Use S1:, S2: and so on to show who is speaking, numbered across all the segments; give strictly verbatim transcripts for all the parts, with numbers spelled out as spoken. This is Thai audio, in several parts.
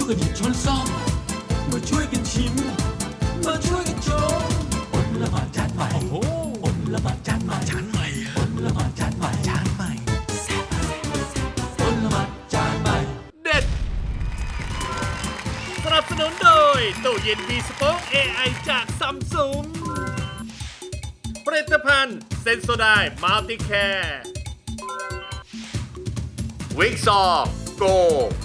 S1: ช่วยกันหยิบช้อนซ่อมมาช่วยกันชิมมาช่วยกันชมอดละหมาดจานใหม่โอ้โหอดละหมาดจานใหม่จานใหม่อดละหมาดจานใหม่จานใหม่อดละหมาดจานใหม่
S2: เด็ดสนับสนุนโดยตู้เย็นมีสป็อค เอ ไอ จากซัมซุงผลิตภัณฑ์เซนโซไดมัลติแคร์วิกซอโก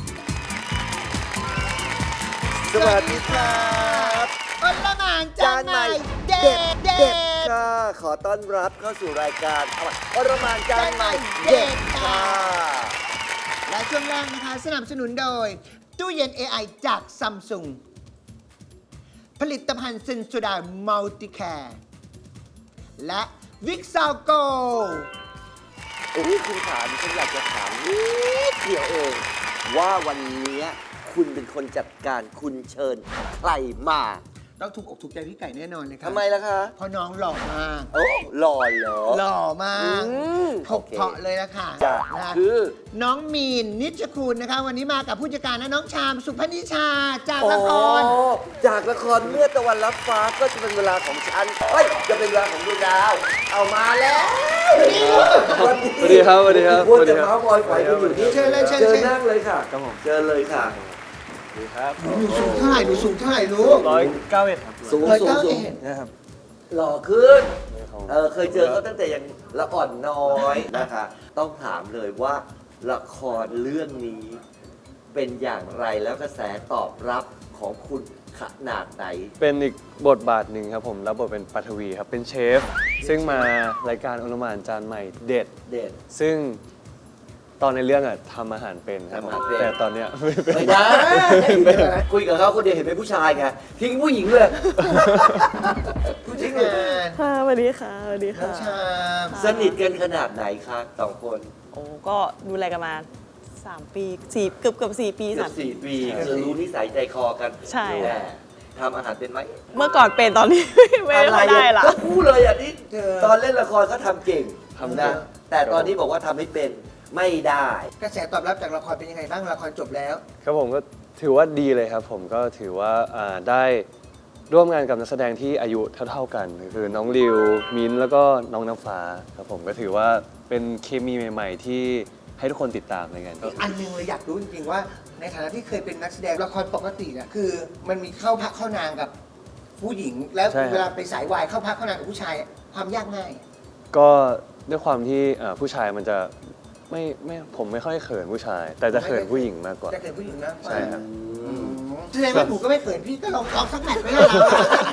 S3: สวัสดีครับอลละหมานจานใหม่เด็ดเด็ดค่ะขอต้อนรับเข้าสู่รายการอลละหมานจานใหม่เด็ดค่ะและช่วงแรกนะคะสนับสนุนโดยตู้เย็น เอ ไอ จากซัมซุงผลิตภัณฑ์เซนโซไดมัลติแคร์และวิกซาวโกโอ้ยคุณถามฉันอยากจะถามนิดเดียวเองว่าวันนี้คุณเป็นคนจัดการคุณเชิญใครมาต้องถูกอกถูกใจพี่ไก่แน่นอนเลยครับทำไมล่ะคะเพราะน้องหล่อมากโอ้หล่อเหรอหล่อมากถกเพาะเลยละค่ะจ้ะคือน้องมีนนิชคุณนะคะวันนี้มากับผู้จัดการนะน้องชามสุพนิชาจากละครจากละครเมื่อตะวันรับฟ้าก็จะเป็นเวลาของฉันเฮ้ยจะเป็นเวลาของดวงดาวเอามาแล้ว
S4: สวัสดีครับสวัสดีครับ
S3: พูดแต่เมาส์บอยปล่อยกันอยู่นี่เชิญเลยเชิญนั่งเลยค่ะ
S4: ครับผม
S3: เชิญเลยค่ะ
S4: ดีครับ
S3: หนูสูงเท่าไหร่หนูสูงเท่าไหร่ลูก
S4: ร้อยเก้าเอ็ดครับ
S3: สูงสูงสูงนะครับหล่อขึ้นเออเคยเจอเขาตั้งแต่ยังละอ่อนน้อยนะคะต้องถามเลยว่าละครเรื่องนี้เป็นอย่างไรแล้วกระแสตอบรับของคุณขนาดไหน
S4: เป็นอีกบทบาทหนึ่งครับผมรับบทเป็นปัทวีครับเป็นเชฟซึ่งมารายการอลหม่านจานใหม่เด็ด
S3: เด็ด
S4: ซึ่งตอนในเรื่องอะทำอาหารเป็นครับแต่ตอนเนี้ย
S3: ไม่ได้คุยกับเขาคนเดียวเห็นเป็นผู้ชายไงทิ้งผู้หญิงเลยผู้หญิงเลย
S5: ค่ะสวัสดีค่ะสวัสดีค่ะ
S3: สนิทกันขนาดไหนคะสองคน
S5: โอ้ก็ดูแลกันมาสามปีสี่เกือบเกือบสี่ปี
S3: สามสี่ปีคือรู้นิสัยใจคอกัน
S5: ใช่
S3: ทำอาหารเป็นไหม
S5: เมื่อก่อนเป็นตอนนี้ไม่ได้ละ
S3: ก็พูดเลยอ่ะนี่ตอนเล่นละครเขาทำเก่งทำนะแต่ตอนนี้บอกว่าทำไม่เป็นไม่ได้กระแสตอบรับจากละครเป็นยังไงบ้างละครจบแล้ว
S4: ครับผมก็ถือว่าดีเลยครับผมก็ถือว่าได้ร่วมงานกับนักแสดงที่อายุเท่าๆกันคือน้องริวมิ้นแล้วก็น้องน้ำฟ้าครับผมก็ถือว่าเป็นเคมีใหม่ๆที่ให้ทุกคนติดตามในงาน
S3: อันนึงเลยอยากรู้จริงๆว่าในฐานะที่เคยเป็นนักแสดงละครปกติอะคือมันมีเข้าพักเข้านางกับผู้หญิงแล้วเวลาไปสายวายเข้าพักเข้านางกับผู้ชายความยากง่าย
S4: ก็ด้วยความที่ผู้ชายมันจะไม่ไม่ผมไม่ค่อยเขินผู้ชายแต่จะเขินผู้หญิงมากกว่า
S3: จะเขินผู้หญิงนะ
S4: ใช่ครับ
S3: แสดงว่าหนูก็ไม่เขินพี่ก็ลองลองสักแมตช์ไม่ได้หรอ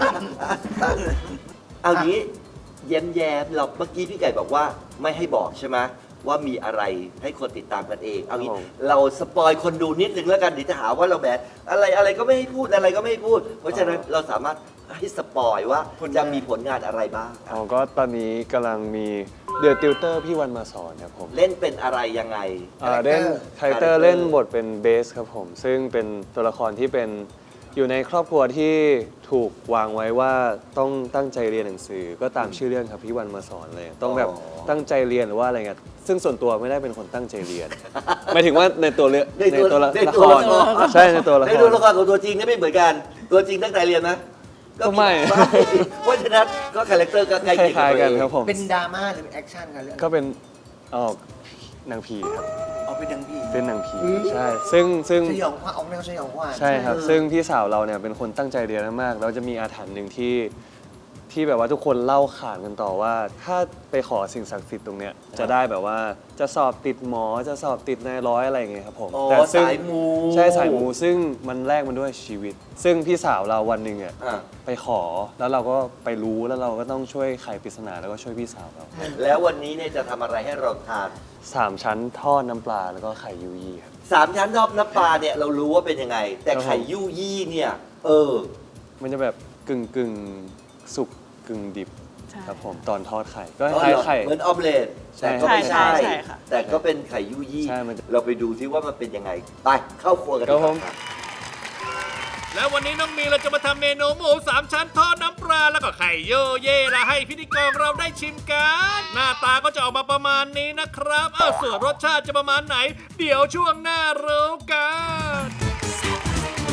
S3: เอางี้แย้มแย้มเราเมื่อกี้พี่ไก่บอกว่าไม่ให้บอกใช่ไหมว่ามีอะไรให้คนติดตามกันเองเอางี้เราสปอยคนดูนิดนึงแล้วกันเดี๋ยวจะหาว่าเราแบบอะไรอะไรก็ไม่ให้พูดอะไรก็ไม่ให้พูดเพราะฉะนั้นเราสามารถให้สปอยว่าจะมีผลงานอะไรบ้าง
S4: อ๋อก็ตอนนี้กำลังมีเดอะติวเตอร์พี่วันมาสอนครับผม
S3: เล่นเป็นอะไรยังไง
S4: เล่นคาแรคเตอร์เล่นบทเป็นเบสครับผมซึ่งเป็นตัวละครที่เป็นอยู่ในครอบครัวที่ถูกวางไว้ว่าต้องตั้งใจเรียนหนังสือก็ตามชื่อเรื่องครับพี่วันมาสอนเลยต้องแบบตั้งใจเรียนหรือว่าอะไรเงี้ยซึ่งส่วนตัวไม่ได้เป็นคนตั้งใจเรียนหมายถึงว่าในตัวเรื่องในตัวละครใช่ในตัวละคร
S3: ในตัวละครของตัวจริงนี่ไม่เหมือนกันตัวจริงตั้งใจเรียนไหม
S4: ก็ไม่
S3: เพราะฉะนั้นก็คาแรคเตอร์ก็ใกล้เคียง
S4: กันครับผม
S3: เป็นดราม่าหรือเป็นแอคชั่นกันเรื่อง
S4: ก็เป็นออกนางผีครับ
S3: ออกเป็นนางผี
S4: เป็นนางผีใช่ซึ่งซึ่ง
S3: สยองขวัญออกแนวสยองขวัญ
S4: ใช่ครับซึ่งพี่สาวเราเนี่ยเป็นคนตั้งใจเรียนมากแล้วจะมีอาถรรพ์หนึ่งที่ที่แบบว่าทุกคนเล่าขานกันต่อว่าถ้าไปขอสิ่งศักดิ์สิทธิ์ตรงเนี้ยจะได้แบบว่าจะสอบติดหมอจะสอบติดนายร้อยอะไรอย่างเงี้ยครับผม
S3: แต่สายมู
S4: ใช่สายมูซึ่งมันแลกมันด้วยชีวิตซึ่งพี่สาวเราวันหนึ่งอ่ะไปขอแล้วเราก็ไปรู้แล้วเราก็ต้องช่วยไขปริศนาแล้วก็ช่วยพี่สาวเรา
S3: แล้ววันนี้เนี่ยจะทำอะไรให้เราทาน
S4: สามชั้นทอดน้ำปลาแล้วก็ไข่ยูยี่ครับ
S3: สามชั้นทอดน้ำปลาเนี่ยเรารู้ว่าเป็นยังไงแต่ไข่ยูยี่เนี่ยเออ
S4: มันจะแบบกึ่งกึ่งสุกกึ่งดิบครับผมตอนทอดไข่ก็คล้ายไข่
S3: เหมือนออมเล็ตแต่ก็ไม่ใช่แต่ก็เป็นไข่ยูยี่เราไปดูซิว่ามันเป็นยังไงไปเข้าครัวกันครับผม
S2: แล้ววันนี้น้องมีเราจะมาทำเมนูหมูสามชั้นทอดน้ำปลาแล้วก็ไข่โยเย่ละให้พิธีกรเราได้ชิมกันหน้าตาก็จะออกมาประมาณนี้นะครับอ้าวส่วนรสชาติจะประมาณไหนเดี๋ยวช่วงหน้ารู้กัน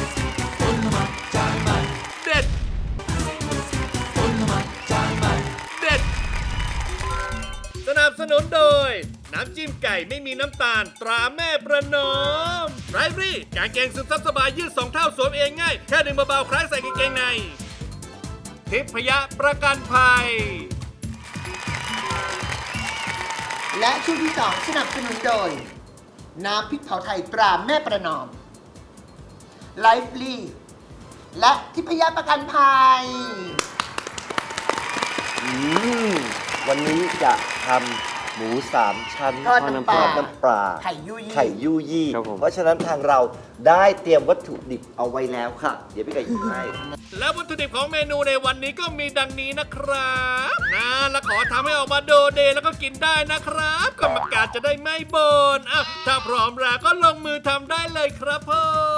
S2: สนุนโดย น้ำจิ้มไก่ไม่มีน้ำตาลตราแม่ประนอมไรฟรี่กางเกงซึมซับสบายยืดสองเท่าสวมเองง่ายแค่ดึงเบาๆคล้ายใส่กางเกงในทิพยประกันภัย
S6: และช่วงที่สองสนับสนุนโดย น้ำพริกเผาไทยตราแม่ประนอมไลฟ์ลีและทิพยประกันภัย
S3: อืมวันนี้จะทำหมูสามชั้น
S6: ทอดน้ำปลา
S3: ทอดน้ำปลา
S6: ไข่ยุยี่
S3: ไข่ยูยี่
S4: ครับผม
S3: เพราะฉะนั้นทางเราได้เตรียมวัตถุดิบเอาไว้แล้วค่ะ เดี๋ยวพี่ไก่หยิบให้
S2: และวัตถุดิบของเมนูในวันนี้ก็มีดังนี้นะครับนะและขอทำให้ออกมาโดเดแล้วก็กินได้นะครับกรรมการจะได้ไม่บ่นอ่ะถ้าพร้อมแล้วก็ลงมือทำได้เลยครับผม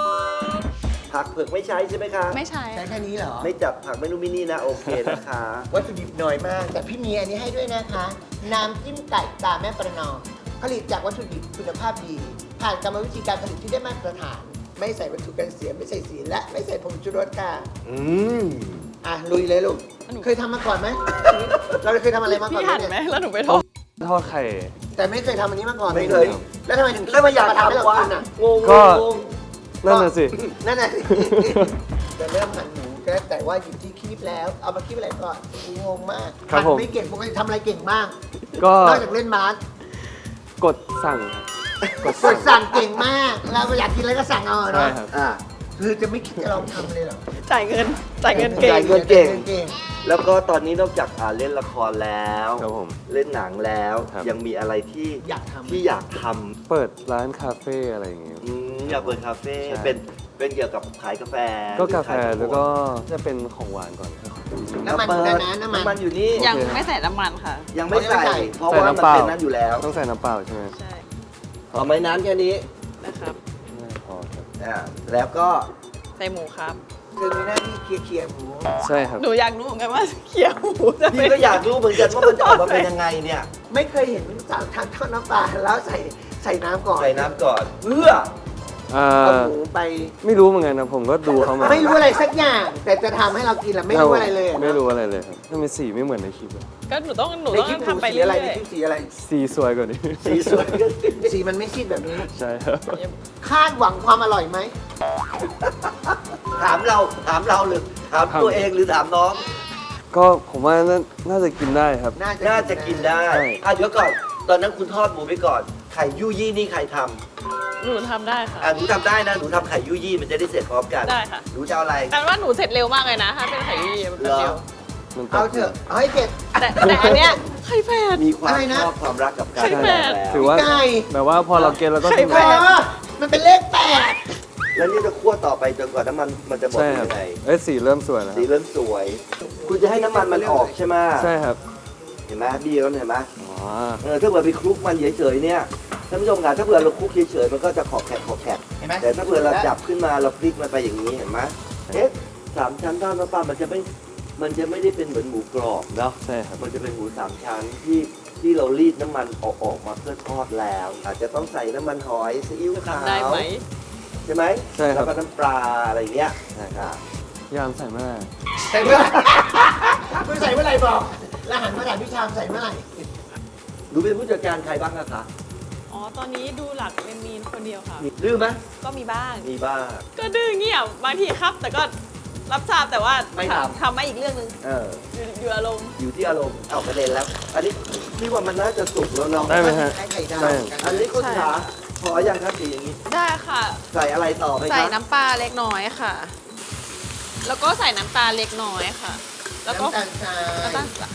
S3: ผักเผือกไม่ใช้ใช่ไหมคะ
S5: ไม่ใช่
S6: ใช้แค่นี้เหรอ
S3: ไม่จับผักเมนูมินินะโอเคนะคะ
S6: วัตถุดิบน้อยมาก แต่พี่มีอันนี้ให้ด้วยนะคะ น้ำจิ้มไก่ตราแม่ประนอมผลิตจากวัตถุดิบคุณภาพดี ผ่านกรรมวิธีการผลิตที่ได้มาตรฐาน ไม่ใส่วัตถุกันเสียไม่ใส่สีและไม่ใส่ผงชูรสค่ะ
S3: อืม
S6: อ่ะลุยเลยลูก
S5: หนู
S6: เคยทำมาก่อนไหม เราเคยทำอะไรมาก่อน
S5: พี่
S6: ไหม
S5: หัน
S6: เนี่ย
S5: ไหมแล้วหนูไปทอด
S4: ทอดไข่
S6: แต่ไม่เคยทำอันนี้มาก่อน
S3: ไม่เคย
S6: แล้วทำไมถึง
S3: แล้วมาอยาก
S6: ทำให้เรา
S3: ทำวะ
S6: กินอ่ะ
S3: งง
S4: ก็
S3: งง
S4: นั่นน่ะสิ
S6: นั่นน่ะสิ จะเริ่มหั่นหมูก็แต่ว่าอยู่ที่คีบแล้ว เอามาคีบอะไรก่อนงงมาก
S4: ครับ
S6: หั่น
S4: ผม
S6: ไม่เก่งปกติทำอะไรเก่งบ้าง
S4: ก็
S6: นอกจากเล่นบาส
S4: กดสั่งครับ
S6: กดสั่งเก่งมากเราอยากกินอะไรก็สั่งเอา
S4: ใช่
S6: เนาะ
S4: ครับ
S3: อ่ะ
S6: คือจะไม่คิดจะลองทำเลยเหรอ
S5: จ่ายเงิน จ่ายเงินเก่
S3: จ่าง ยเงิน เก่ง
S6: เก่ง
S3: แล้วก็ตอนนี้นอกจากอ่าเล่นละครแล้ว
S4: ครับผม
S3: เล่นหนังแล้ว
S4: ครับ
S3: ยังมีอะไรที่
S6: อยากทำ
S3: ที่อยากท
S4: เปิดร้านคาเฟ่อะไรอย่างเงี้ย
S3: ำอืมอยากเปิดคาเฟ่
S4: ใช่
S3: เป็นเป็นเกี่ยวกับขายกาแฟ
S4: ก็กาแฟ
S3: หรือขย
S4: แล้วก็จะเป็นของหวานก่อนครับ
S6: น้ำมันอยู่ในนั้นน้ำมัน
S3: น้ำมันอยู่นี่
S5: ยังไม่ใส่น้ำมันค่ะ
S3: ยังไม่ใส่
S6: ยังไม่ใส่
S3: เพราะ
S4: ใส่
S3: ว่ามัน
S4: น้ำเปล่า
S3: เป็นนั้นอยู่แล้ว
S4: ต้องใส่น้ำเปล่าใช่ไหม
S5: ใช่
S3: เอาไม้น้ำแค่นี้
S5: นะครับ
S4: ไม่พอครับ
S3: อ่าแล้วก็
S5: ใส่หมูครับ
S6: คือมีหน้าที่เคลียร์เคลียร์หมู
S4: ใช่ครับ
S5: หนูอยากรู้เหมือนกันว่าเคี่ยวหมูจะเป็
S3: พี่
S5: น
S3: ก็อยากรู้เหมือนกันว่ามันจะออกมาเป็นยังไงเนี่ย
S6: ไม่เคยเห็นสาวทานทอดน้ำปลาแล้วใส่ใส่น้ำก่อน
S3: ใส่น้ำก่อนเพื่อ
S4: เอ่
S6: เอา
S4: อ
S6: หมูไป
S4: ไม่รู้เหมือนกันนะผมก็ดูเขามา
S6: ไม่รู้อะไรสักอย่าง แต่จะทำให้เรากินอะไม่รู้อะไรเลยอะ
S4: ไม่รู้อะไรเลยครับทำไมสีไม่เหมือนในคลิปเลย
S5: ก็หนูต้องหนู
S6: ใน
S5: ต้อง
S6: คลิปหมู
S5: ทำไป
S6: สี
S5: เรื่
S6: อะไร
S5: อย
S6: ในคลิปสีอะไร
S4: สีสวยกว่านี้
S3: สีสวย
S6: สีมันไม่ซีดแบบนี้
S4: ใช่ครับ
S6: คาดหวังความอร่อยไหม
S3: ถามเราถามเราหรือถามตัวเองหรือถามน้อง
S4: ก็ผมว่าน่าน่าจะกินได้ครับ
S6: น่าจะ
S3: น่าจะกินได้
S4: ใช่
S3: อ่ะเดี๋ยวก่อน ตอนนั้นคุณทอดหมูไปก่อน ไข่ยูยี่นี่ใครท
S5: ๆหนูทำได้ค่ะ
S3: ำอ่ะหนูทำได้นะ หนูทำไข่ยูยี่มันจะได้เสร็จพร้อมกัน
S5: ได้ค่ะ
S3: หนูจะเอาอะไร
S5: แต่ว่าหนูเสร็จเร็วมากเลยนะ ถ้าเป็นไข่ยี่มัน
S3: เหรอ
S5: เร็ว
S4: มัน
S6: เอาเถอะเอาให้เผ็ด
S5: แต่แต่อันเนี้ยไข่แฝด
S3: มีความ
S6: อะไรนะ
S3: ชอบความรักกับการ
S5: ไข่แฝด
S3: แล้ว
S4: ถือว่า
S6: ไก่
S4: แบบว่าพอเราเก็ตแล้วก็
S5: ไข่
S4: กิน
S5: แฝ
S6: เอ
S5: ด
S6: อมันเป็นเลขแปด
S3: แล้วนี่จะคั่วต่อไปจนกว่าน้ำมันมันจะหมด
S4: ใช่
S3: เป็น
S4: ครับ
S3: ยังไง
S4: เอ้ยสีเริ่มสวยแล้ว
S3: สีเริ่มสวย คุณจะให้น้ำมันมันออกใช่ไหม
S4: ใช่ครับ
S3: เห็นไหมบี้แล้วเห็นไหม
S4: อ๋อ
S3: เออถ้าเผื่อไปคลุกมันเฉยๆเนี่ยท่านผู้ชมครับถ้าเผื่อเราคลุกเฉยๆมันก็จะขอบแขกขอบแขก
S6: เห็นไหม
S3: แต่ถ้าเผื่อเราจับขึ้นมาเราพลิกมันไปอย่างนี้เห็นไหมเอ๊ะสามชั้นทอดน้ำปลามันจะไม่มันจะไม่ได้เป็นเหมือนหมูกรอบเนาะ
S4: ใช่ครับ
S3: มันจะเป็นหมูสามชั้นที่ที่เรารีดน้ำมันออกออกมาเพื่อทอดแล้ว อาจจะต้องใส่น้ำมันหอยซีอิ๊วขาว
S5: ทำได้ไหม
S3: ใช่ไหม
S4: ใช่ครับ
S3: แล้วก็น้ำปลาอะไรเงี้ย
S4: ใช่ครับ ยามใส่มาก
S6: ใส่เมื่อไหร่ คุณใส่เมื่อไหร่บอก แล้วหันมาถามพี่ชามใส่เมื่อไหร่
S3: หนูเป็นผู้จัดการใครบ้างอะคะ
S5: อ๋อ ตอนนี้ดูหลักเป็นมีนคนเดียวค่ะ
S3: มีดื้อไหม
S5: ก็มีบ้าง
S3: มีบ้าง
S5: ก็ดื้อเงียบบางทีครับ แต่ก็รับทราบแต่ว่า
S3: ไม่ทำ
S5: ทำไม่อีกเรื่องหนึง
S3: เออ
S5: อยู่อยู่อารมณ์
S3: อยู่ที่อารมณ์เอาประเด็นแล้ว อันนี้พี่ว่ามันน่าจะสุกแล้วเนาะ
S4: ได้ไหมฮะ
S6: ให้ไข่ดาว
S4: ได้
S3: อันนี้คุณ
S5: ใช่
S3: ขาพออย่างครับสีอย่างนี้
S5: ได้ค่ะ
S3: ใส่อะไรต่อไหม
S5: ใส่
S3: ครับ
S5: น้ำปลาเล็กน้อยค่ะ แล้วก็ใส่น้ำตาลเล็กน้อยค่ะ แล้วก็
S6: น้ำตาลทราย
S5: น้ำตาลสะ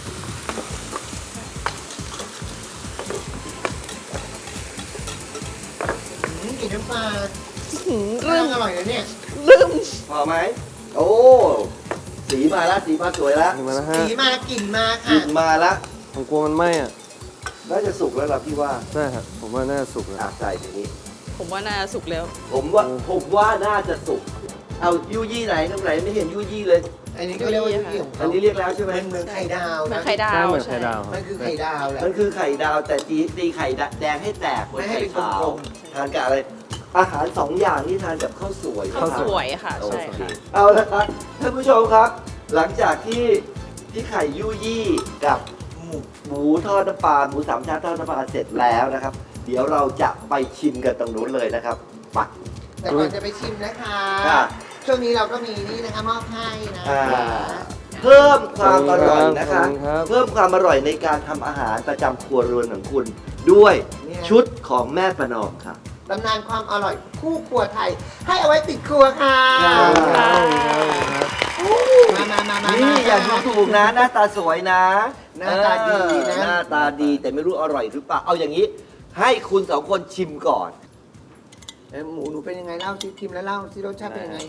S6: อืมกลินน้ำปลา
S5: หืม
S6: เรื่
S5: ลื
S6: อง
S5: ม
S6: อร่อยนะเนี่ย
S5: ลืม
S3: พอไหมโอ้สีมาแล้วสีมาสวยแล้ว
S4: ถึงมาแล้วฮะ
S6: สีมากลิ่นมา
S3: สี
S6: ค่ะ
S3: มาแล้ว
S4: ผมกลัวมันไหม้อ่ะ
S3: น่าจะสุกแล้วล่ะพี่ว่า
S4: ใช่ครับ ผมว่าน่าจะสุกแล้ว
S3: อ่ะใส่อย่างนี้
S5: ผมว่าน่าจะสุกแล้ว
S3: ผมว่าผมว่าน่าจะสุก เอายูยี่ไหนตรงไหนไม่เห็นยูยี่เลย
S6: อันนี้ก็เรียกว่ายุของ
S3: อั
S6: เขา
S3: นนี้เรียกแล้วใช่ไหม
S6: มันเหมือนไข่ดาว
S5: เหมือ
S6: นะ
S5: นไข่ดาว
S4: ใช่เหมือนไข่ดาวครับ
S6: มันคือไข่ดาวแหละ
S3: มันคือไข่ดาวแต่ตีตีไข่แดงให้แตกเหมือน
S6: ไม่ให้
S3: ไข่
S6: เป็น
S3: ขาว
S6: กลม
S3: ทานกับอะไร อาหารสองอย่างนี่ทานกับข้าวสวย
S5: ข้าวสวย
S3: รับ
S5: ค่ะ
S3: โอ
S5: ใช่
S3: เค
S5: ค่ะ
S3: เอาละครับท่านผู้ชมครับ หลังจากที่ที่ไข่ยูยี่กับ
S6: หมู
S3: หหมูทอดน้ำปลาหมูสามชั้นทอดน้ำปลาเสร็จแล้วนะครับ เดี๋ยวเราจะไปชิมกันตรงนู้นเลยนะครับไป
S6: แต่ก่อนจะไปชิมนะคะ
S3: ค่ะ
S6: ช่วงนี้เราก็มีนี่นะคะมอบให้นะ
S3: อ่า
S6: คะ
S3: เพิ่มความอร่อยนะคะ
S4: ขอบคุณครับ
S3: เพิ่มความอร่อยในการทำอาหารประจำครัวเรือนของคุณ ด้วยชุดของแม่ประนอมค่ะ
S6: ตำนานความอร่อยคู่ครัวไทย ให้เอาไว้ติดครัวค่ะ มามามามา
S3: นี่อย่าดูถูกนะ หน้าตาสวยนะ
S6: หน้าตาดีนะ
S3: เออหน้าตาดีแต่ไม่รู้อร่อยหรือเปล่า เอาอย่างนี้ ให้คุณสองคนชิมก่อน
S6: เอ้ยหมูหนูเป็นยังไงเล่าซิทิมแล้วเล่าซิรสชาติเป็นยังไง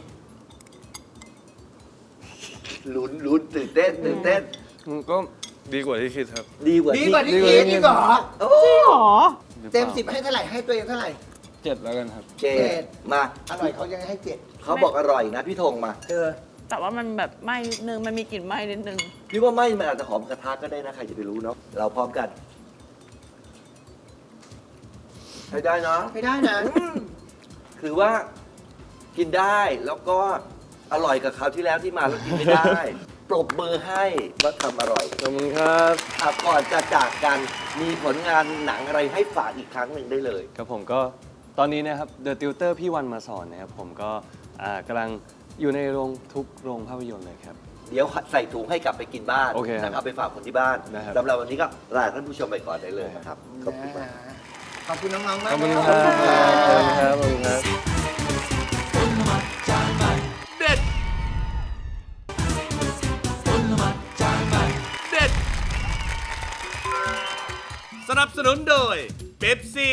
S3: ลุ้นลุ้นตื่นเต้นตื่นเต้น
S4: มันก็ดีกว่าที่คิดครับ
S3: ดีกว่า
S6: ดี
S3: ที่
S6: กว่าที่
S4: ดีกว่า
S6: คิด
S4: ที่
S6: ดีกว่าเหรอ
S3: โอ้
S5: หรอ
S6: เต็มสิบให้เท่าไหร่ให้ตัวเองเท่าไหร่
S4: เจ็ดแล้วกันครับ
S3: เจดมา
S6: อร่อยเขายังให้เจ็ด
S3: เขาบอกอร่อยนะพี่ธงมา
S6: เออ
S5: แต่ว่ามันแบบไหม้นิดนึง มันมีกลิ่นไหม้นิดนึง
S3: พี่ว่าไม่มันอาจจะหอมกระทะก็ได้นะใครจะไปรู้เนาะเราพร้อมกันให้ได้เนาะ
S6: ไม่ได้นะ
S3: คือว่ากินได้แล้วก็อร่อยกับคราวที่แล้วที่มาแล้วกินไม่ได้ ปรบมือให้ว่าทำอร่อย
S4: ขอบคุณครับ
S3: อ่ะก่อนจะจากกันมีผลงานหนังอะไรให้ฝากอีกครั้งหนึ่งได้เลย
S4: ครับผมก็ตอนนี้นะครับ The Tutor พี่วันมาสอนนะครับผมก็อ่ากำลังอยู่ในโรงทุกโรงภาพยนตร์เลยครับ
S3: เดี๋ยวใส่ถุงให้กลับไปกินบ้าน
S4: โอเคครับ
S3: นะครับไปฝากคนที่บ้าน
S4: นะครับ
S3: สำหรับวันนี้ก็ลาท่านผู้ชมไปก่อนได้เลยนะครับขอบคุณมาก
S6: ขอบคุณน้องๆมาก
S4: ขอบคุณ
S6: นะครับ
S4: ขอบคุณครับขอบคุณครับ
S1: อลหม่านจานใหม่
S2: เด็ด
S1: อลหม่านจานใหม่
S2: เด็ด สนับสนุนโดยเป๊ปซี่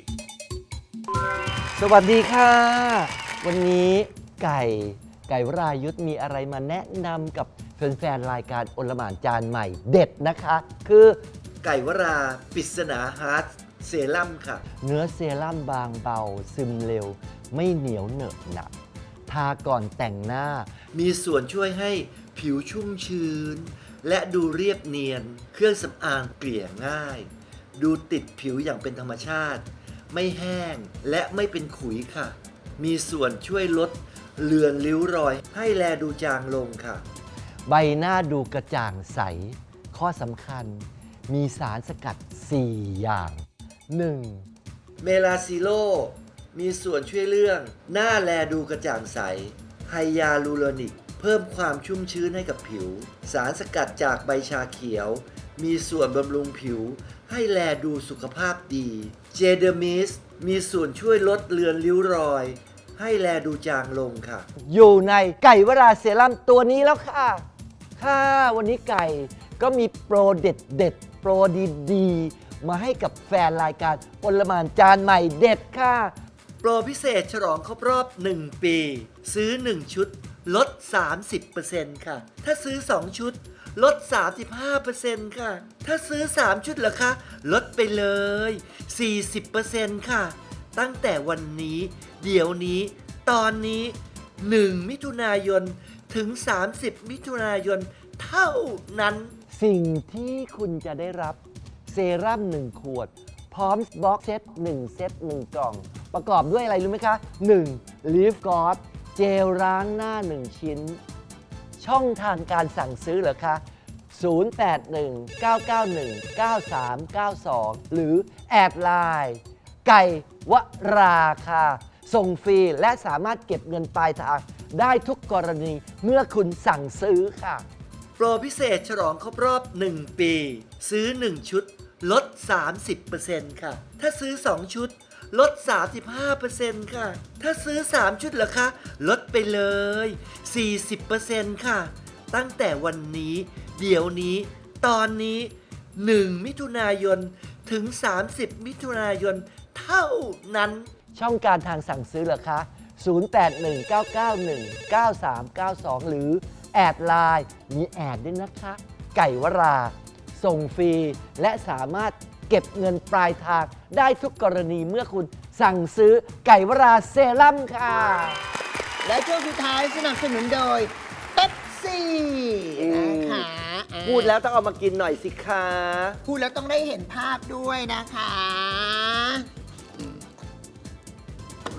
S7: สวัสดีค่ะ วันนี้ไก่ไก่วรายุทธมีอะไรมาแนะนำกับแฟนๆรายการโอลหม่านจานใหม่เด็ดนะคะ คือ
S3: ไก่วราปริศนาฮาร์ดเซรั่มค่ะ
S7: เนื้อเซรั่มบางเบา ซึมเร็ว ไม่เหนียวเหนอะหนักทาก่อนแต่งหน้า
S3: มีส่วนช่วยให้ผิวชุ่มชื้น และดูเรียบเนียน เครื่องสำอางเกลี่ยง่าย ดูติดผิวอย่างเป็นธรรมชาติ ไม่แห้งและไม่เป็นขุยค่ะ มีส่วนช่วยลดเลือนริ้วรอย ให้แลดูจางลงค่ะ
S7: ใบหน้าดูกระจ่างใส ข้อสำคัญ มีสารสกัด สี่ อย่าง หนึ่ง
S3: เมลาซิโล มีส่วนช่วยเรื่องหน้าแลดูกระจ่างใส ไฮยาลูโรนิก เพิ่มความชุ่มชื้นให้กับผิว สารสกัดจากใบชาเขียว มีส่วนบำรุงผิว ให้แลดูสุขภาพดี เจเดอร์มิส มีส่วนช่วยลดเลือนริ้วรอย ให้แลดูจางลงค่ะ
S7: อยู่ในไก่วราเซรั่มตัวนี้แล้วค่ะ ค่ะ วันนี้ไก่ก็มีโปรเด็ดเด็ดๆโปรดีๆ มาให้กับแฟนรายการโอลหม่านจานใหม่เด็ดค่ะ
S3: โปรพิเศษฉลองครบรอบ หนึ่ง ปี ซื้อ หนึ่ง ชุด ลด สามสิบเปอร์เซ็นต์ ค่ะ ถ้าซื้อ สอง ชุด ลด สามสิบห้าเปอร์เซ็นต์ ค่ะ ถ้าซื้อ สาม ชุดเหรอคะ ลดไปเลย สี่สิบเปอร์เซ็นต์ ค่ะ ตั้งแต่วันนี้ เดี๋ยวนี้ ตอนนี้ หนึ่ง มิถุนายน ถึง สามสิบ มิถุนายน เท่านั้น
S7: สิ่งที่คุณจะได้รับเซรั่มหนึ่งขวด พร้อมบล็อกเซตหนึ่งเซตหนึ่งกล่อง ประกอบด้วยอะไรรู้ไหมคะ หนึ่ง Leaf God เจลล้างหน้า หนึ่ง ชิ้น ช่องทางการสั่งซื้อเหรอคะ ศูนย์ แปด หนึ่ง เก้า เก้า หนึ่ง เก้า สาม เก้า สอง หรือแอดไลน์ไก่วราคาส่งฟรีและสามารถเก็บเงินปลายทางได้ทุกกรณีเมื่อคุณสั่งซื้อค่ะ
S3: โปรพิเศษฉลองครบรอบ หนึ่ง ปี ซื้อ หนึ่ง ชุด ลด สามสิบเปอร์เซ็นต์ ค่ะ ถ้าซื้อ สอง ชุด ลด สามสิบห้าเปอร์เซ็นต์ ค่ะ ถ้าซื้อ สาม ชุดเหรอคะ ลดไปเลย สี่สิบเปอร์เซ็นต์ ค่ะ ตั้งแต่วันนี้ เดี๋ยวนี้ ตอนนี้ หนึ่ง มิถุนายน ถึง สามสิบ มิถุนายน เท่านั้น
S7: ช่องการทางสั่งซื้อเหรอคะ ศูนย์ แปด หนึ่ง เก้า เก้า หนึ่ง เก้า สาม เก้า สอง หรือแอดไลน์มีแอดด้วยนะคะ ไก่วรา ส่งฟรี และสามารถเก็บเงินปลายทางได้ทุกกรณีเมื่อคุณสั่งซื้อไก่วราเซรั่มค่ะ
S6: และช่วงสุดท้ายสนับสนุนโดยเป๊ปซี่นะคะอ่า
S3: พูดแล้วต้องเอามากินหน่อยสิคะ
S6: พูดแล้วต้องได้เห็นภาพด้วยนะคะ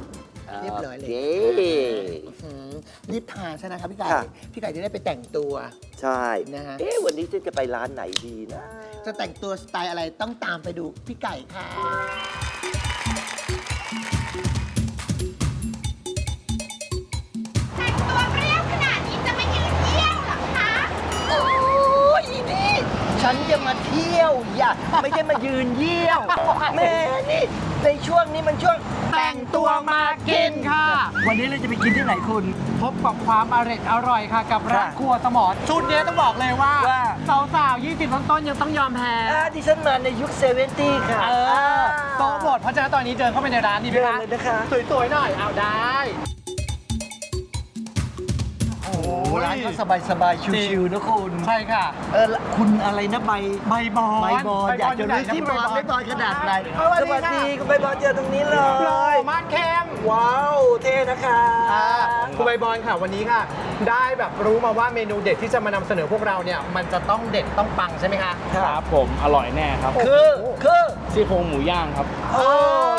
S6: เรียบร้อยเลย
S3: โอ
S6: อืมรีบทานซะนะครับพี่ไก่
S3: ค่ะ
S6: พี่ไก่จะได้ไปแต่งตัว
S3: ใช่
S6: นะฮะ
S3: เอ๊ะวันนี้ฉันจะไปร้านไหนดีนะ
S6: จะแต่งตัวสไตล์อะไรต้องตามไปดูพี่ไก่ค่ะ
S8: ตัวเปรี้ยวขนาดนี้จะไม่ยืนเยี่ยวเหรอคะ
S7: โอ้ยอีนี่ฉันจะมาเที่ยวอย่าไม่ใช่มายืนเยี่ยวแม่นี่ในช่วงนี้มันช่วงแต่งตัวมากินค่ะ วันนี้เราจะไปกินที่ไหนคุณ
S9: พบกับความอร่อยอร่อยค่ะ กับร้าน
S7: ค่ะ
S9: ครัวสมรชุดนี้ต้องบอกเลยว่า
S7: ว่า
S9: สาวๆยี่สิบต้นๆยังต้องยอมแพ้
S7: อ่าดิฉันมาในยุคเซเวนตี้ค่ะ
S9: เออโต๊ะหมดเพราะฉะนั้นตอนนี้เดินเข้าไปในร้านดีไหม
S7: เดิน
S9: คะ
S7: เลยนะคะ
S9: สวยๆหน่อยเอาได้ โอ้โห
S7: ร้านก็สบายสบายๆชิวๆนะคุณ
S9: ใช่ค่ะ
S7: เออละคุณอะไรนะใบ
S9: ใบบอล
S7: ใบบอลอยากจะรู้ที่บอลไม่บอลขนาดไหน
S9: สวัสดีค่ะ
S7: คุณใบบอลเจอตรงนี้เล
S9: หล่อย มากเข้ม
S7: ว้าวเท่นะคะ
S9: อ่าคุณใบบอลค่ะวันนี้ค่ะ ได้แบบรู้มาว่าเมนูเด็ดที่จะมานำเสนอพวกเราเนี่ยมันจะต้องเด็ดต้องปังใช่ไหมคะ
S10: ครับผมอร่อยแน่ครับ
S7: คือคือ
S10: ซี่โครงหมูย่างครับ
S7: เออ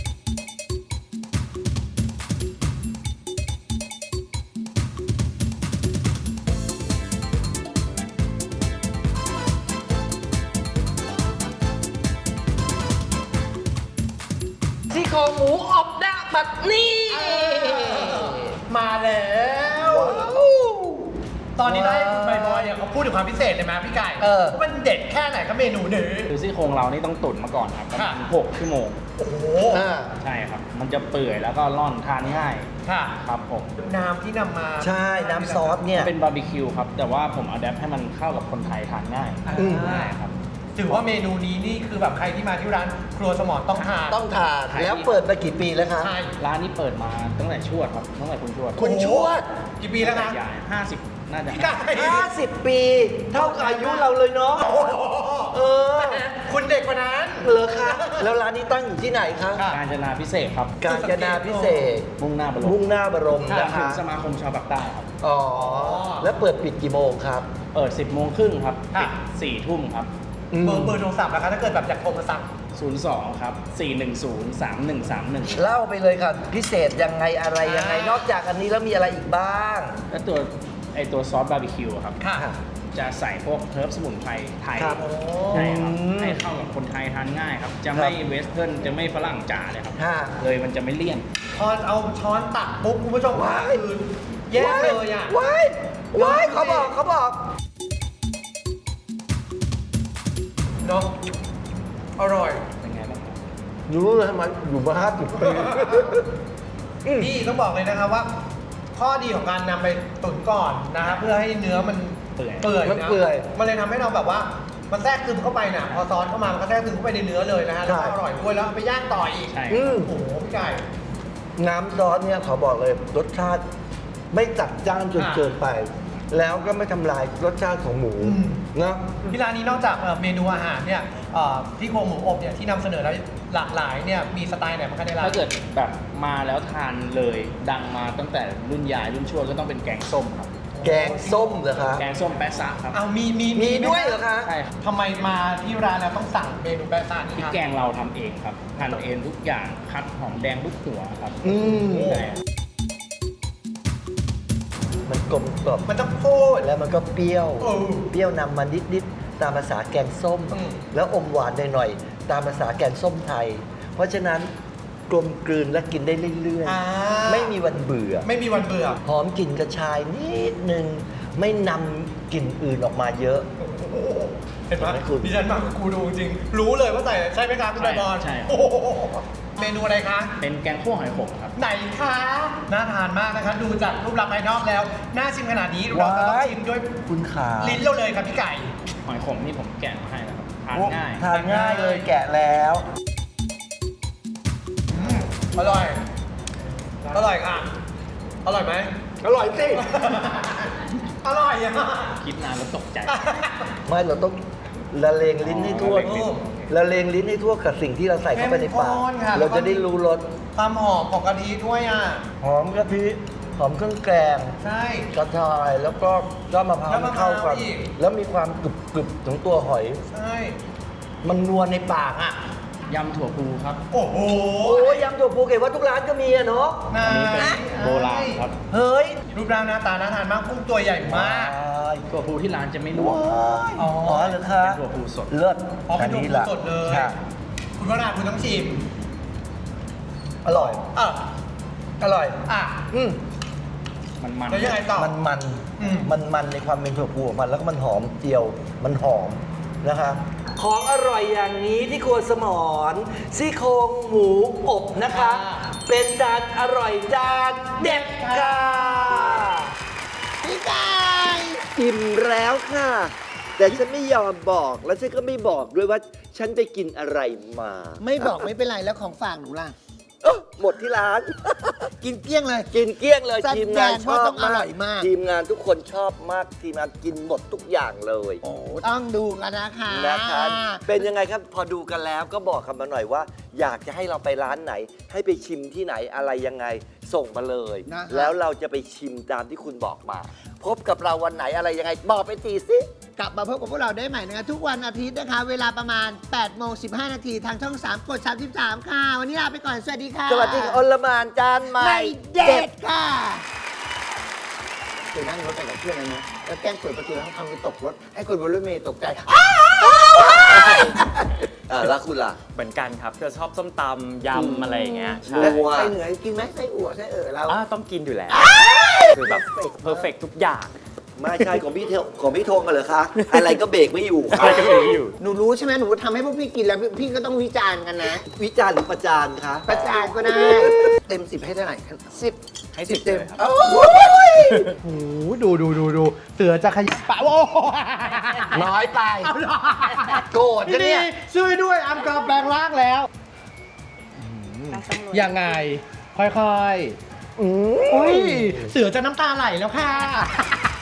S9: ซี่โครงหมูอบดะแบบนี้มาแล้ว ตอนนี้ได้คุณใบบอยเนี่ยเขาพูดถึงความพิเศษเลยไหมพี่ไก่
S7: เออ
S9: ว่ามันเด็ดแค่ไหนครับเมนูนี้
S10: คือซี่โครงเรานี่ต้องตุ๋นมาก่อนครับประมาณ
S9: ค่ะ
S10: หกชั่วโมง
S9: โอ้โห
S7: อ่า
S10: ใช่ครับ มันจะเปื่อยแล้วก็ร่อนทานง่าย
S9: ค่ะ
S10: ครับผม
S9: น้ำที่นำมา
S7: ใช่น้ำซอสเนี่ย
S10: เป็นบาร์บีคิวครับ แต่ว่าผมอัดแอปให้มันเข้ากับคนไทยทานง่าย
S9: อืม
S10: ง่ายครับ
S9: ถือว่าเมนูนี้นี่คือแบบใครที่มาที่ร้านครัวสมรต้องทาน
S7: ต้องทาน
S10: ขาย
S7: แล้วเปิดมากี่ปีแล้วคะ
S9: ใช่
S10: ร้านนี้เปิดมาตั้งแต่ชวดครับ ตั้งแต่คุณชวด
S7: คุณชวด
S9: กี่ปีแล้วนะ
S10: ใหญ่ห้าสิบน่าจะ
S9: พี่ไก่
S7: ห้าสิบปี เท่ากับอายุเราเลยเนาะ เออ
S9: คุณเด็กกว่านั้น
S7: เหรอคะ แล้วร้านนี้ตั้งอยู่ที่ไหนคะ
S9: ค่ะ
S10: การจนาพิเศษครับ
S7: กาญจนาพิเศษ
S10: มุ่งหน้าบรม
S7: มุ่งหน้าบรม
S10: ก่อน
S7: นะ
S10: ถึ
S7: คะ
S10: งสมาคมชาวปากใต้ครับ
S7: อ๋อ แล้วเปิดปิดกี่โมงครับ
S10: เปิด สิบโมงครึ่งครับ
S9: ค่ะ
S10: ปิดสี่ทุ่มครับ
S9: เบอร์เบอร์โทรศัพท์นะคะถ้าเกิดแบบอยากโทรมาสั่ง
S10: ศูนย์สองครับสี่หนึ่งศูนย์สามหนึ่งสามหนึ่ง
S7: เล่าไปเลยค่ะ พิเศษยังไงอะไรยังไง
S9: อ่าน
S7: นอกจากอันนี้แล้วมีอะไรอีกบ้าง
S10: แล้วตัวไอตัวซอสบาร์บีคิวอะครับ
S9: ค่ะ
S10: จะใส่พวกเฮิร์บสมุนไพรไทย
S7: ครับ
S10: ใช่ครับ
S7: อืม
S10: ให้เข้ากับคนไทยทานง่ายครับ จะ
S7: ครับ
S10: ไม่เวสเทิร์นจะไม่ฝรั่งจ๋าเลยครับ
S7: ค่ะ
S10: เลยมันจะไม่เลี่ยน
S9: พอเอาช้อนตักปุ๊บคุณผู้ชม
S7: ว้าย
S9: คือแยกเลยอ่ะ
S7: ว้ายว้ายเขาบอกเขาบอก
S9: เนาะอร่อย
S10: เป็นไงบ้างครับ
S7: รู้เลยมันอยู่มาห้าสิบปี
S9: พี่ต้องบอกเลยนะครับว่า ข้อดีของการนำไปตุ๋นก่อนนะครับเพื่อให้เนื้อมัน
S10: เปื่อย
S9: เปื่อย
S7: มัน
S9: นะ
S7: เปื่อย
S9: มันเลยทำให้เราแบบว่ามันแทรกซึมเข้าไปน่ะพอซอสเข้ามามันก็แทรกซึมเข้าไปในเนื้อเลยนะฮะแล้ว
S7: ใช่
S9: ก็อร่อยด้วยแล้วเอาไปย่างต่ออีก
S10: ใช่
S7: อืม
S9: โอ้โหพี่ไก่
S7: น้ำซอสเนี่ยขอบอกเลยรสชาติไม่จัดจ้านจน
S9: อ่ะ
S7: เกินไป แล้วก็ไม่ทำลายรสชาติของหมู
S9: อืม
S7: นะ
S9: ที่ร้านนี้นอกจากเอ่อเมนูอาหารเนี่ยเอ่อที่โครงหมูอบเนี่ยที่นำเสนอแล้วหลากหลายเนี่ยมีสไตล์ไหนบ้างคะในร้าน
S10: ถ้าเกิดแบบมาแล้วทานเลยดังมาตั้งแต่รุ่นยายรุ่นชวดก็ต้องเป็นแกงส้มครับ
S7: แกงส้มเหรอคะ
S10: แกงส้มแปะซะครับ
S9: เอามีมี
S7: มี
S9: ไ
S7: ด้วยเหรอคะ
S10: ใช่ครับ
S9: ทำไมมาที่ร้านแล้วต้องสั่งเมนูแปะซ่านี่
S10: พริก
S9: ครับ
S10: แกงเราทำเองครับหั่นเองทุกอย่างคัดหอมแดงทุกหัวครับ
S7: อืม
S10: ใช่
S7: มันกลมกล่อม
S9: มันต้องพูด
S7: แล้วมันก็เปรี้ยว
S9: เออ
S7: เปรี้ยวนำมานิดๆตามภาษาแกงส้ม
S9: อืม
S7: แล้วอมหวานหน่อยๆตามภาษาแกงส้มไทย เพราะฉะนั้นกลมกลืนและกินได้เรื่อย
S9: อ่า
S7: ๆ ไม่มีวันเบื่อ
S9: ไม่มีวันเบื่อ
S7: หอมกลิ่นกระชายนิดนึง ไม่นำกลิ่นอื่นออกมาเยอะ
S9: เห็นไหม
S7: เห็นไหมคุณ
S9: ดิฉันมากับครูดูจริงๆรู้เลยว่าใส่ใช่ไหมคะคุณใบบอล
S10: ใช่ครับ
S9: โอ้โหเมนูอะไรคะ
S10: เป็นแกงคั่วหอยขมครับ
S9: ไหนคะน่าทานมากนะคะ ดูจากรูปลักษณ์ภายนอกแล้ว น่าชิมขนาดนี้เราจะต้องชิมด้วย
S7: คุณขา
S9: ลิ้นเราเลยครับพี่ไก่
S10: หอยขมนี่ผมแกะมาให้แล้วครับทาน
S7: โอ้
S10: ง่าย
S7: ทานง่ายเลยแกะแล้ว
S9: อืมอร่อย อร่อยค่ะ อร่อยไหม
S7: อร่อยสิ
S9: อร่อยอ่ะ
S10: คิดนานแล้วตกใจ
S7: ไม่เราต้องละเลงลิ้นให้ทั่ว
S10: ละเลงลิ้น
S7: ละเลงลิ้นให้ทั่วกับสิ่งที่เราใส่เข้าไปในปาก
S9: เข้มข้นค่ะ
S7: เราจะได้รู้รส
S9: ความหอมของกะทิด้วยอ่ะ
S7: หอมกะทิหอมเครื่องแกง
S9: ใช่
S7: กระชายแล้วก็ยอดมะพร้าว
S9: ยอด
S7: มั
S9: มะ
S7: น
S9: พร้าว
S7: เข้ากัน
S9: อีก
S7: แล้วมีความกรึบกรึบๆของตัวหอย
S9: ใช่
S7: มันนัวในปากอ่ะ
S10: ยำถั่วพูครับ
S9: โอ้โห
S7: โอ้ยยำถั่วภูเก็ตว่าทุกร้านก็มีอะเนาะ
S9: นา
S10: อันนี้เป็นโบราณครับ
S7: เฮ้ย
S9: รูปร่างหน้าตาน่าทานมากกุ้งตัวใหญ่มาก
S10: ถั่วพูที่ร้านจะไม่ลวก
S9: อ๋อ
S7: อ๋อเหรอคะ
S10: เป็นถั่วพูสด
S7: เลิศ
S9: อ๋อเป็นถั่ว
S7: นี้
S9: พู
S7: ล่ะ
S9: สดเลย
S7: ค่ะ
S9: คุณวราคุณต้องชิม
S7: อร่อย
S9: อ่ะ
S7: อร่อย
S9: อ่ะ
S7: อืม
S10: มันมัน
S9: แล้วยังไงต่อ
S7: มันมัน
S9: อืม
S7: มันมันในความเป็นถั่วพูของมันแล้วก็มันหอมเจียว มันหอมนะคะของอร่อยอย่างนี้ที่ครัวสมรซี่โครงหมูอบนะคะ เป็นจานอร่อยจานเด็ดค่ะ
S6: พี่ไก่
S3: อิ่มแล้วค่ะ แต่ฉันไม่ยอมบอกแล้วฉันก็ไม่บอกด้วยว่าฉันไปกินอะไรมา
S6: ไม่บอกไม่เป็นไรแล้วของฝากหนูล่ะ
S3: เอ้อหมดที่ร้าน
S6: กินเกลี้ยงเลย
S3: กินเกลี้ยงเลย
S6: แสดง
S3: ทีมงานชอบ
S6: ว่าต้องอร่อยมาก
S3: ทีมงานทุกคนชอบมากทีมงานกินหมดทุกอย่างเลย
S6: โอ้ต้องดูกันนะคะ
S3: นะคะเป็นยังไงครับพอดูกันแล้วก็บอกกันมาหน่อยว่า อยากจะให้เราไปร้านไหน ให้ไปชิมที่ไหนอะไรยังไงส่งมาเลย
S6: นะคะ
S3: แล้วเราจะไปชิมตามที่คุณบอกมา พบกับเราวันไหนอะไรยังไงบอกไปทีสิ
S6: กลับมาพบกับพวกเราได้ใหม่นะคะทุกวันอาทิตย์นะคะ เวลาประมาณแปดโมงสิบห้านาทีทางช่องสามกดสามสิบสามค่ะ วันนี้ลาไปก่อน สวัสดีค่ะ
S3: สวัสดีค่ะอลหมานจานใหม่
S6: ไม่เด็ดค่ะเคยนั่งรถไปกับเพื่อนนะนะแล้วแกล้งเปิดประตูแล้วทำไปตกรถ ให้คนบนรถเมล์ตกใจ
S3: อ่าแล้วคุณล่ะ
S11: เหมือนกันครับจะชอบส้มตำยำอะไรอย่างเงี้ยใช่
S6: แล้วไส้เหนือกินไหมไส้อั่วไส้เอ๋อเรา
S11: อ่าต้องกินอยู่แล้ว คือแบบเพอร์เฟกทุกอย่าง
S3: ไม่ใช่ของพี่เทของพี่ธงกันเหรอคะอะไรก็เบรกไม่อยู่ค่ะ
S11: อะไรก็ไม่อยู่
S6: หนูรู้ใช่ไหมหนูทำให้พวกพี่กินแล้วพี่พี่ก็ต้องวิจารณ์กันนะ
S3: วิจารณ์หรือประจานคะ
S6: ประจานก็ได้ เต็มสิบให้เท่าไหร่ครับสิบ
S11: ให้สิบ
S6: เต็ม
S11: เลยครับ
S6: โอ้ย
S9: โอ้โหดูดูดูดูเสือจะขยับปะโอ้โห
S7: น้อยไป
S9: เอาเหรอ
S7: โกรธจะเนี่ย
S9: ช่วยด้วยอัมกาแปลงร่างแล้ว ยังไง ค่อยๆอุ้ยเสือจะน้ำตาไหลแล้วค่ะ